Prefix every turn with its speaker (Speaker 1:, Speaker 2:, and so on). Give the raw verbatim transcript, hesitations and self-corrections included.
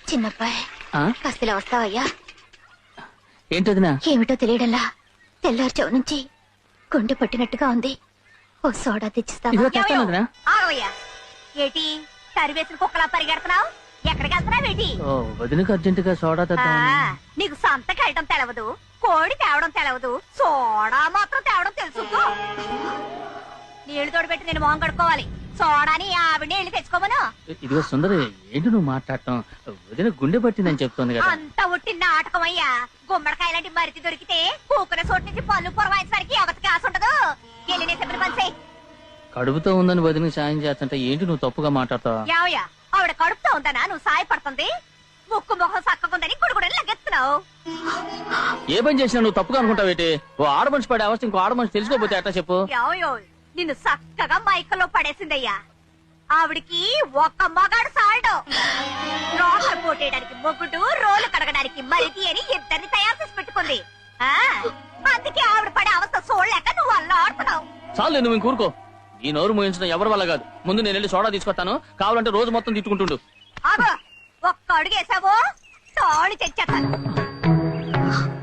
Speaker 1: చిన్నబ్బాయి కాస్త వస్తావయ్యా?
Speaker 2: ఏంటదినా?
Speaker 1: ఏమిటో తెలియడంలా తెల్లారుచవు నుంచి గుండె పట్టినట్టుగా ఉంది. ఓ సోడా తెచ్చిస్తావా?
Speaker 3: ఏటి సరివేసిన కుక్కలా పరిగెడుతున్నావు? ఎక్కడికి వెళ్తున్నావేటి?
Speaker 2: వదినకు అర్జెంట్ గా సోడా తెద్దాం.
Speaker 3: నీకు సంతకి వెళ్ళడం తెలవదు, కోడి తేవడం తెలవదు, సోడా మాత్రం తేవడం తెలుసు. నీళ్లు తోడుపెట్టి నేను మొహం కడుక్కోవాలి. సోడాని ఆవిడ నీళ్లు తెచ్చుకోమను.
Speaker 2: ఇదిగో సుందరి, ఏంటి నువ్వు మాట్లాడటం? వదిన గుండె పట్టిందని చెప్తోంది కదా.
Speaker 3: అంత ఉట్టి నాటకం అయ్యా. గుమ్మడికాయ లాంటి మరిది దొరికితే కూకున చోటు నుంచి పళ్ళు పొరవాయించడానికి ఎవరికి కాసు ఉండదు. వెళ్ళినే చెప్పిన పని చేయి.
Speaker 2: కడుపుతో ఉందని వదినకి సాయం చేస్తుంటే ఏంటి నువ్వు తప్పుగా మాట్లాడతావా?
Speaker 3: యావయ్యా, ఆవిడ కడుపుతో ఉందనా నువ్వు సాయపడుతుంది? ముక్కు ముఖం సక్కకుందని గుడుగుడని లగెత్తున్నావు.
Speaker 2: ఏ పని చేసినా నువ్వు తప్పుగా అనుకుంటావేటి? ఓ ఆడమనిషి పడే అవస్థ ఇంకో ఆడమనిషి తెలుసుకోపోతే ఎట్లా చెప్పు?
Speaker 3: యావయో, నిన్ను చక్కగా మైకల్లో పడేసిందయ్యా. ఆవిడికి ఒక్క మగాడు సాల్డు. రోగలు పోటేయడానికి మొగుడు, రోలు కడగడానికి మరిది అని ఇద్దరిని తయారు చేసి పెట్టుకుంది. ఆ అందుకే ఆవిడ పడే అవస్థ చూడలేక నువ్వు అల్లా ఆడుతున్నావు.
Speaker 2: చాలు, నువ్వు ఇంకూరుకో. ఈ నోరు మోయించడం ఎవరి వల్ల కాదు. ముందు నేను వెళ్ళి సోడా తీసుకొస్తాను. కావాలంటే రోజు మొత్తం తిట్టుకుంటుండు.
Speaker 3: ఆగో, ఒక్క అడుగేసావో తాళి తెచ్చేస్తాను.